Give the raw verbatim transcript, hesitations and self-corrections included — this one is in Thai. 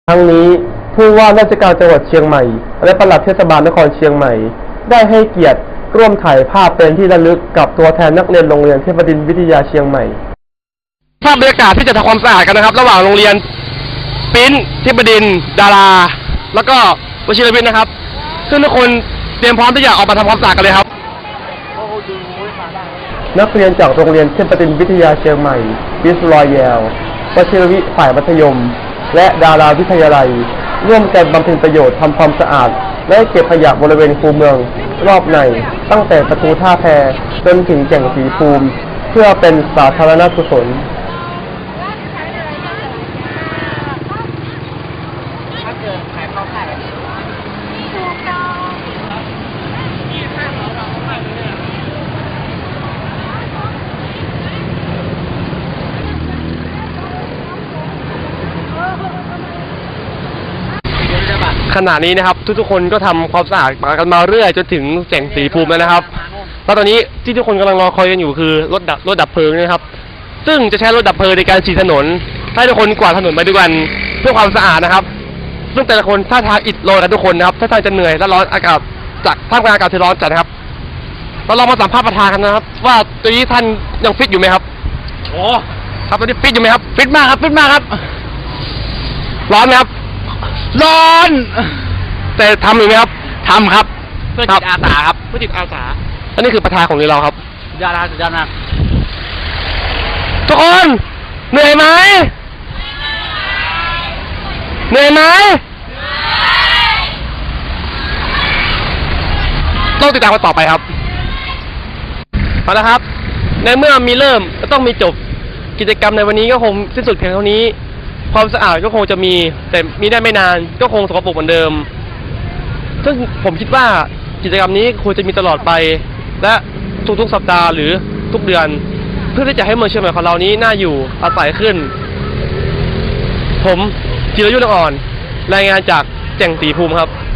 ทั้งนี้ผู้ว่าราชการจังหวัดเชียงใหม่และปลัดเทศบาลนครเชียงใหม่ได้ให้เกียรติร่วมถ่ายภาพเป็นที่ระลึกกับตัวแทนนักเรียนโรงเรียนเทพบดินทร์วิทยาเชียงใหม่ภาพบรรยากาศที่จะทำความสะอาดกันนะครับระหว่างโรงเรียนปิ้นเทพบดินทร์ดาราแล้วก็วชิรวิทย์นะครับซึ่งทุกคนเตรียมพร้อมที่จะออกมาทำความสะอาดกันเลยครับนักเรียนจากโรงเรียนเทพบดินทร์วิทยาเชียงใหม่บิสรอยแยลวชิรวิทย์ฝ่ายมัธยมและดาราวิทยาลัยร่วมกันบำเพ็ญประโยชน์ทำความสะอาดและเก็บขยะบริเวณคูเมืองรอบในตั้งแต่ประตูท่าแพจนถึงแก่งสีภูมิเพื่อเป็นสาธารณกุศลขณะนี้นะครับทุกๆคนก็ทำความสะอาดกันมาเรื่อยจนถึงแก่งสีภูมิแล้วนะครับแล้วตอนนี้ที่ทุกคนกำลังรอคอยกันอยู่คือรถดับรถดับเพลิงนะครับซึ่งจะใช้รถดับเพลิงในการฉีดถนนให้ทุกคนกวาดถนนไปด้วยกันเพื่อความสะอาดนะครับซึ่งแต่ละคนท่าทางอิดโรยกันทุกคนนะครับท่าทางจะเหนื่อยและร้อนอากาศจากท่ามกลางอากาศที่ร้อนจัดนะครับเราลองมาสัมภาษณ์ประธานกันนะครับว่าตอนนี้ท่านยังฟิตอยู่ไหมครับโอ้ครับตอนนี้ฟิตอยู่ไหมครับฟิตมากครับฟิตมากครับร้อนไหมครับร้อนแต่ทำอยู่ไหมครับทำครับเพื่อจิตอาสาครับเพื่อจิตอาสาอันนี้คือประธานของเราครับยอดนะยอดนะทุกคนเหนื่อยไหมเหนื่อยไหมต้องติดตามกันต่อไปครับเอาละครับในเมื่อมีเริ่มก็ต้องมีจบกิจกรรมในวันนี้ก็คงสิ้นสุดเพียงเท่านี้ความสะอาดก็คงจะมีแต่มีได้ไม่นานก็คงสกปรกเหมือนเดิมซึ่งผมคิดว่ากิจกรรมนี้ควรจะมีตลอดไปและทุกๆสัปดาห์หรือทุกเดือนเพื่อที่จะให้เมืองเชียงใหม่ของเรานี้น่าอยู่อาศัยขึ้นผมจิรยุทธ์ อ่อนรายงานจากแก่งสีภูมิครับ